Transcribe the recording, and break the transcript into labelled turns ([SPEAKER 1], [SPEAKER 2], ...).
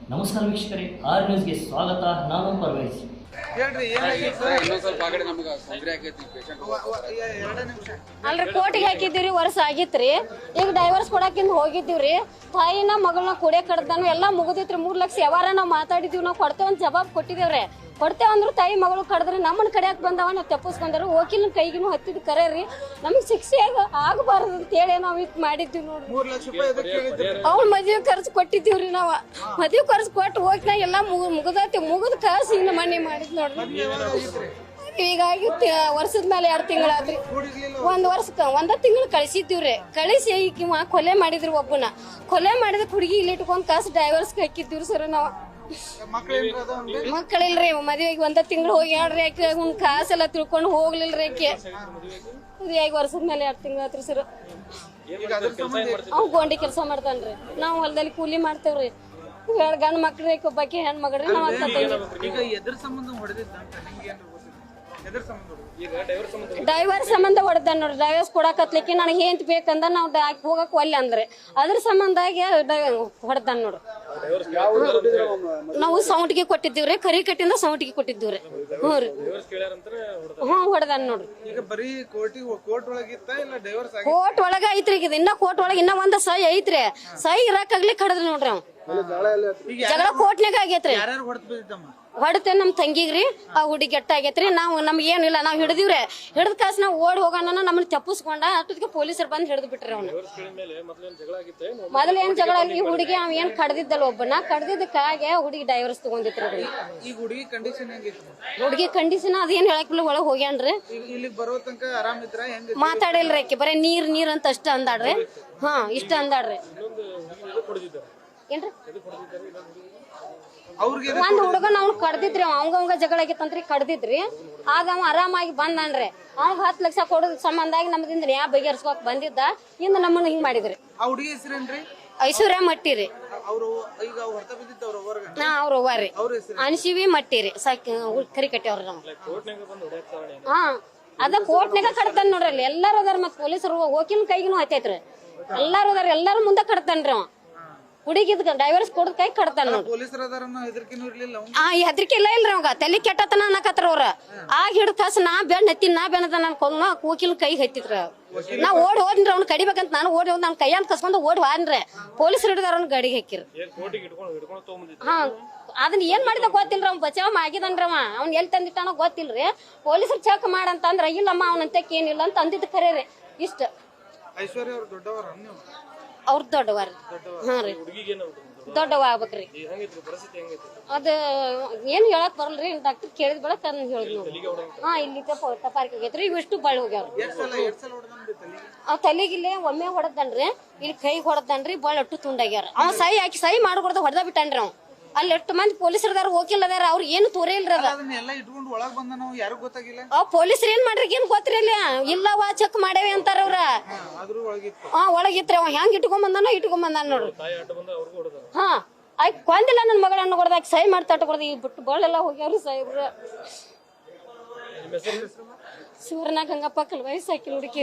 [SPEAKER 1] ನಮಸ್ಕಾರ ವೀಕ್ಷಕರೇ, ಆರ್ ನ್ಯೂಸ್ಗೆ ಸ್ವಾಗತ. ನಾನು ಪರ್ವೇಜ್.
[SPEAKER 2] ಅಲ್ರಿ ಕೋರ್ಟಿಗೆ ಹಾಕಿದ್ದೀವ್ರಿ, ವರ್ಷ ಆಗಿತ್ರಿ. ಈಗ ಡೈವರ್ಸ್ ಕೊಡಾಕಿಂದ ಹೋಗಿದ್ದೀವ್ರಿ. ತಾಯಿನ ಮಗಳನ್ನ ಕೊಡೆ ಕಡ್ದಾನು ಎಲ್ಲ ಮುಗಿದಿತ್ರಿ. 3 ಲಕ್ಷ ಯಾವಾರ ನಾವು ಮಾತಾಡಿದೀವಿ, ನಾವು ಕೊಡ್ತೇವೆ ಅಂತ ಜವಾಬ್ ಕೊಟ್ಟಿದ್ದೇವ್ರಿ. ಕೊಡ್ತೇವೆ ಅಂದ್ರು ತಾಯಿ ಮಗಳು ಕಡ್ದ್ರಿ ನಮ್ಮನ್ನ ಕಡೆಯಾಕ ಬಂದವ, ನಾವು ತಪ್ಪಿಸ್ಕೊಂಡ್ರು. ವಕೀಲನ ಕೈಗಿನೂ ಹತ್ತಿದ್ ಕರೆ ರೀ. ನಮ್ಗೆ ಶಿಕ್ಷೆ ಆಗಬಾರ್ದು ಅಂತೇಳಿ ನಾವು ಇದು ಮಾಡಿದ್ವಿ ನೋಡ್ರಿ. ಅವ್ನ ಮದ್ವೆ ಖರ್ಚು ಕೊಟ್ಟಿದ್ದೀವ್ರಿ. ನಾವು ಮದ್ವೆ ಖರ್ಚು ಕೊಟ್ಟು ಹೋಗಿ ಎಲ್ಲ ಮುಗಿದೈತಿ. ಮುಗಿದ ಕಾಸು ಇನ್ನು ಮನೆ ಮಾಡಿದ್ ನೋಡ್ರಿ. ಹೀಗಾಗಿ ವರ್ಷದ ಮೇಲೆ 2 ತಿಂಗಳಾದ್ರಿ. ಒಂದ ತಿಂಗಳು ಕಳಿಸಿದ್ದೀವ್ರಿ. ಕಳಿಸಿ ಈಗ ಕೊಲೆ ಮಾಡಿದ್ರಿ. ಒಬ್ಬನ ಕೊಲೆ ಮಾಡಿದ ಹುಡುಗಿ ಇಲ್ಲಿ ಇಟ್ಕೊಂಡ್ ಕಾಸು ಡೈವರ್ಸ್ ಹಾಕಿದ್ದೀವ್ರಿ ಸರ್. ನಾವು ಮಕ್ಕಳಿಲ್ರಿ, ಮದ್ವೆಗೆ 1 ತಿಂಗಳು ಹೋಗಿ ಹೇಳ್ರಿ. ಆಕೆ ಅವ್ನ ಕಾಸೆಲ್ಲ ತಿಳ್ಕೊಂಡು ಹೋಗ್ಲಿಲ್ರಿ. ಆಕೆ ಈಗ ವರ್ಷದ ಮೇಲೆ 2 ತಿಂಗಳು ಆತ್ರಿ ಸರ್. ಅವ್ ಗೋಂಡಿ ಕೆಲಸ ಮಾಡ್ತಾನ್ರಿ. ನಾವು ಹೊಲದಲ್ಲಿ ಕೂಲಿ ಮಾಡ್ತೇವ್ರಿ. 2 ಗಂಡು ಮಕ್ಳ್ರಿ, ಒಬ್ಬಾಕಿ ಹೆಣ್ ಮಗಳ್ರಿ. ನಾವ್ ಡೈವರ್ಸ್ ಸಂಬಂಧ ಹೊಡೆದ ನೋಡ್ರಿ. ಡೈವರ್ಸ್ ಕೊಡಕತ್ಲಿಕ್ಕೆ ನನಗೆ ಏನ್ ಬೇಕಂದ ನಾವು ಹೋಗಕ್ ಒಲ್ಲೆ ಅಂದ್ರೆ ಅದ್ರ ಸಂಬಂಧಾಗಿ ಹೊಡೆದ ನೋಡ್ರಿ. ನಾವು ಸೌಂಟಿಗೆ ಕೊಟ್ಟಿದ್ದೀವ್ರಿ. ಕರಿ ಕಟ್ಟಿಂದ ಸೌಂಟಿಗೆ ಕೊಟ್ಟಿದ್ದೀವ್ರಿ. ಹ್ಞೂ ರೀ, ಹೊಡೆದ ನೋಡ್ರಿ. ಕೋರ್ಟ್ ಒಳಗ ಐತ್ರಿ. ಈಗ ಇನ್ನ ಕೋರ್ಟ್ ಒಳಗ ಇನ್ನ ಒಂದ್ ಸಹಿ ಐತ್ರಿ. ಸಹಿ ಇರಾಕಾಗ್ಲಿ ಕಡದ್ರಿ ನೋಡ್ರಿ. ಅವ್ ಜಗಳ ಕೋರ್ಟ್ನಾಗ ಆಗೇತ್ರಿ. ಹೊಡತೆ ನಮ್ ತಂಗಿಗ್ರಿ. ಆ ಹುಡುಗಿ ಎಟ್ಟ ಆಗೇತ್ರಿ. ನಾವು ನಮ್ಗೆ ಏನಿಲ್ಲ, ನಾವ್ ಹಿಡಿದಿವ್ರಿ. ಹಿಡಿದ ಕಾಸು ನಾವು ಓಡಿ ಹೋಗೋಣ ನಮ್ಮನ್ನ ತಪ್ಪಿಸ್ಕೊಂಡ ಅಷ್ಟೊತ್ತಿಗೆ ಪೊಲೀಸರು ಬಂದು ಹಿಡಿದು ಬಿಟ್ರಿ. ಅವ್ನ ಮೊದಲ ಏನ್ ಜಗಳ ಅಲ್ಲಿ ಹುಡುಗಿ ಅವ್ ಏನ್ ಕಡ್ದಿದ್ದಲ್ಲ, ಒಬ್ಬನ ಕಡ್ದಿದ್ದಕ್ಕಾಗೆ ಹುಡುಗಿ ಡೈವರ್ಸ್ ತಗೊಂಡಿತ್ರಿ. ಹುಡುಗಿ ಕಂಡೀಷನ್ ಅದೇನ್ ಹೇಳಕ್ಕಿಲ್ಲ. ಒಳಗ್ ಹೋಗ್ಯಾನ್ರಿ. ಮಾತಾಡಿಲ್ರಿ. ಆಕಿ ಬರೀ ನೀರ್ ಅಂತ ಅಷ್ಟ ಅಂದಾಡ್ರಿ. ಹಾ, ಇಷ್ಟ ಅಂದಾಡ್ರಿ. ಏನ್ರಿ ಒಂದ್ ಹುಡುಗನ ಅವ್ನು ಕಡ್ದಿದ್ರಿ. ಅವಂಗ ಜಗಳ ಆಗಿತ್ತಂತ್ರಿ, ಕಡ್ದಿದ್ರಿ. ಆಗ ಅವ ಆರಾಮಾಗಿ ಬಂದನ್ರಿ. ಅವ್ 10 ಲಕ್ಷ ಕೊಡೋದ್ ಸಂಬಂಧಾಗಿ ನಮ್ದಿಂದ ಯಾ ಬಗೆಹರಿಸ್ಕೋಕ್ ಬಂದಿದ್ದ. ಇಂದ ನಮ್ಮನ್ನ ಹಿಂಗ್ ಮಾಡಿದ್ರಿ. ಐಶ್ವರ್ಯ ಮಟ್ಟಿರಿ. ಅವ್ರ ಅವ್ವಾರಿ ಅನ್ಸಿವಿ ಮಟ್ಟಿರಿ. ಕರಿ ಕಟ್ಟಿವ್ರಿ. ನಾವು ಹಾ, ಅದ ಕೋರ್ಟ್ನಾಗ ಕಡ್ತಾನ ನೋಡ್ರಿ. ಅಲ್ಲಿ ಎಲ್ಲಾರು ಅದಾರ. ಮತ್ ಪೊಲೀಸರು ಹೋಗಿನ ಕೈಗಿನೂ ಹತ್ತೈತ್ರಿ. ಎಲ್ಲಾರು ಅದಾರ. ಎಲ್ಲಾರು ಮುಂದೆ ಕಡ್ತಾನ್ರಿ. ಅವ ಹುಡುಗಿದ್ ಡೈವರ್ಸ್ ಕೊಡದ್ ಕೈ ಕಡ್ತಾನ ನೋಡ್ರಿ. ಹೆದರಿಕೆ ಇಲ್ಲ ಇಲ್ರಿ. ಅವಾಗ ತಲೆ ಕೆಟ್ಟತನ ಅನ್ನಕತ್ರ ಅವ್ರ. ಆಗ ಹಿಡ್ದ ಕಾಸು ನಾ ಬೆಣ್ಣ ಹತ್ತೀನಿ, ನಾ ಬೆಣ್ಣದ ಅನ್ಕೊಂಡ್ ಕೂಕಿಲ್ ಕೈ ಹತ್ತಿದ್ರ. ನಾ ಓಡಿ ಹೋದ್ರಿ. ಅವ್ನ ಕಡಿಬೇಕಂತ ನಾನು ಓಡಿ ಹೋದ್. ನನ್ ಕೈಯನ್ ಕಸ್ಕೊಂಡ್ ಓಡಿ ಹೋದ್ರಿ. ಪೊಲೀಸರು ಹಿಡಿದಾರ. ಅವ್ನ ಗಾಡಿಗೆ ಹಾಕಿರಿ. ಹಾ, ಅದನ್ನ ಏನ್ ಮಾಡಿದ ಗೊತ್ತಿಲ್ರಿ. ಅವ್ನ ಬಚಾವ್ ಆಗಿದನ್ರಿ. ಅವ್ನ ಎಲ್ಲಿ ತಂದಿಟ್ಟಾನೋ ಗೊತ್ತಿಲ್ರಿ. ಪೊಲೀಸರು ಚೆಕ್ ಮಾಡಂತಂದ್ರ ಇಲ್ಲಮ್ಮ ಅವನಂತಕ್ ಏನಿಲ್ಲ ಅಂತ ಅಂದಿದ್ ಖರೆ ರೀ. ಇಷ್ಟ ಅವ್ರ ದೊಡ್ಡವಾರ. ಹಾ ರೀ, ದೊಡ್ಡವ ಆಗ್ಬೇಕ್ರಿ. ಅದ ಏನ್ ಹೇಳಕ್ ಬರಲ್ರಿ. ಡಾಕ್ಟರ್ ಕೇಳಿದ್ ಬೆಳಕ್ ಅದನ್ನ ಹೇಳಿದ್ ನೋಡಿ. ಹಾ, ಇಲ್ಲಿ ತಪಾರಿಕೆ ಆಗೈತ್ರಿ. ಇವಿಷ್ಟು ಬಾಳ್ ಹೋಗ್ಯಾವ್ರಿ. ಅವ್ ತಲೆಗಿಲ್ಲೇ ಒಮ್ಮೆ ಹೊಡೆದನ್ರಿ. ಇಲ್ಲಿ ಕೈ ಹೊಡೆದನ್ರಿ. ಬಾಳ್ ಅಟ್ಟು ತುಂಡಾಗ್ಯಾರ. ಅವ್ ಸಹಿ ಹಾಕಿ ಸಹಿ ಮಾಡ್ಕೊಡ್ದ ಹೊಡೆದ ಬಿಟ್ಟನ್ರಿ. ಅವ್ ಅಲ್ಲಿ 8 ಮಂದಿ ಪೊಲೀಸರದಾರ, ವಕೀಲ್ ಅದಾರ. ಅವ್ರ ಏನು ತೋರೇ ಇಲ್ರಿ. ಅವ್ ಪೊಲೀಸರು ಏನ್ ಮಾಡ್ರಿ ಏನ್ ಗೊತ್ತಿರಿ. ಅಲ್ಲಿ ಇಲ್ಲವಾ ಚೆಕ್ ಮಾಡೇವಿ ಅಂತಾರ ಅವ್ರ. ಹಾ, ಒಳಗಿತ್ರಿ. ಅವ ಹೆಂಗ್ ಇಟ್ಕೊಂಡ್ ಬಂದಾನ ನೋಡ್ರಿ. ಹಾ, ಆಯ್ತು ಕೊಂದಿಲ್ಲ ನನ್ ಮಗಳನ್ನ ಕೊಡ್ದಾಕ ಸಹಿ ಮಾಡ್ತಾ ಕೊಡ್ದ. ಈಗ ಬಿಟ್ಟು ಬಾಳೆಲ್ಲ ಹೋಗ್ಯಾವ್ರಿ ಸಾಹೇಬ್ರ. ಶಿವರನಾಗ ಹಂಗಪ್ಪ ಕಲ್ ವಯಸ್ಸಾಕಿ ಹುಡುಕಿ.